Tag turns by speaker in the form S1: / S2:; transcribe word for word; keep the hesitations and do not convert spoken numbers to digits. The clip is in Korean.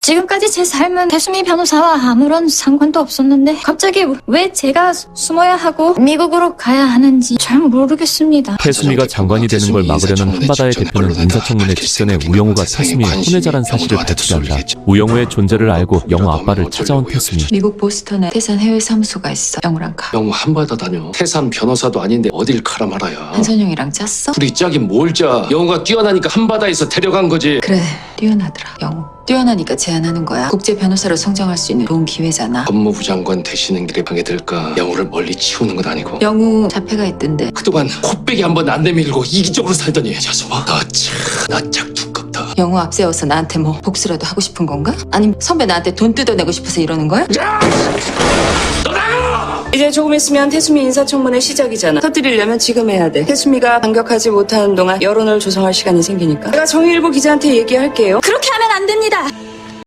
S1: 지금까지 제 삶은 태수미 변호사와 아무런 상관도 없었는데 갑자기 왜 제가 숨어야 하고 미국으로 가야 하는지 잘 모르겠습니다.
S2: 태수미가 장관이 되는 걸 막으려는 한바다의 대표는 인사청문회 직전에 우영우가 태수미의 혼외자란 사실을 밝히자 우영우의 존재를 알고 영우 아빠를 찾아온 태수미.
S3: 미국 보스턴에 태산 해외 사무소가 있어. 영우랑 가.
S4: 영우 한바다 다녀. 태산 변호사도 아닌데 어딜 가라 말아야.
S3: 한선영이랑 짰어?
S4: 둘이 짝이 뭘 짜. 영우가 뛰어나니까 한바다에서 데려간 거지.
S3: 그래, 뛰어나더라. 영우. 뛰어나니까 제안하는 거야. 국제 변호사로 성장할 수 있는 좋은 기회잖아.
S4: 법무부 장관 되시는 길에 방에 들까. 영우를 멀리 치우는 건 아니고.
S3: 영우 자폐가 있던데.
S4: 그동안 코빼기 한 번 안 내밀고 이기적으로 살더니 녀석아 너참나짝 두껍다.
S3: 영우 앞세워서 나한테 뭐 복수라도 하고 싶은 건가? 아니면 선배 나한테 돈 뜯어내고 싶어서 이러는 거야?
S5: 이제 조금 있으면 태수미 인사청문회 시작이잖아. 터뜨리려면 지금 해야 돼. 태수미가 반격하지 못하는 동안 여론을 조성할 시간이 생기니까. 내가 정의일보 기자한테 얘기할게요.
S1: 그렇게 하면 안 됩니다.